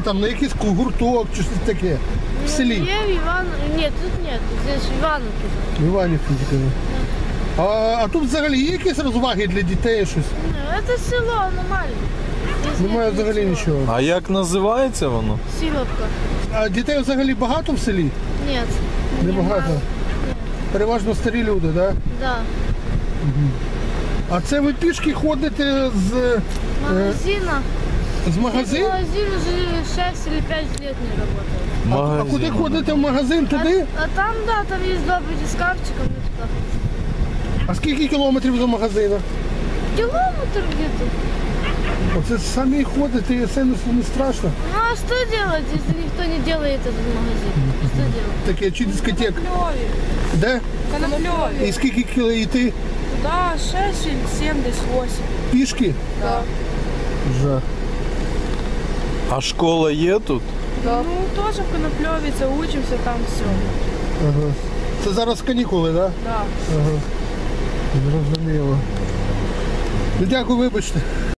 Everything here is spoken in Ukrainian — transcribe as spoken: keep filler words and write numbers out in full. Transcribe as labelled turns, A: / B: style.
A: Там на якийсь гурток чи щось таке. В селі.
B: Є в Іван... Ні, тут нет, здесь в Івановці.
A: В Іванівці тільки. А, а тут взагалі є якісь розваги для дітей щось?
B: Ну, це село, воно маленьке.
A: Немає взагалі нічого.
C: А як називається воно?
B: Сіловка.
A: А дітей взагалі багато в селі?
B: Ні.
A: Небагато. Переважно старі люди, так? Да?
B: Да.
A: А це ви пішки ходите з,
B: Магазина.
A: з магазину?
B: Магазин уже шесть или пять лет не работает.
A: А, а куди ходите в магазин? Туди?
B: А, а там, да, там есть два батискафчика, мы туда ходим.
A: А скільки кілометрів до магазину?
B: Километр где-то.
A: Оце самі ходите і це не, не страшно.
B: Ну а что делать, если никто не делает этот магазин? Что делать?
A: Таке, чи дискотек?
D: Конопльові.
A: Де?
D: Конопльові.
A: І скільки кіло йти?
D: Да, шесть или семь, десь восемь.
A: Пішки?
D: Да.
A: Жах.
C: А школа є тут?
D: Да. Ну, теж в Конопльові, це учимося там все.
A: Ага. Це зараз канікули, так? Да?
D: Да.
A: Ага. Зрозуміло. Ну, дякую, вибачте.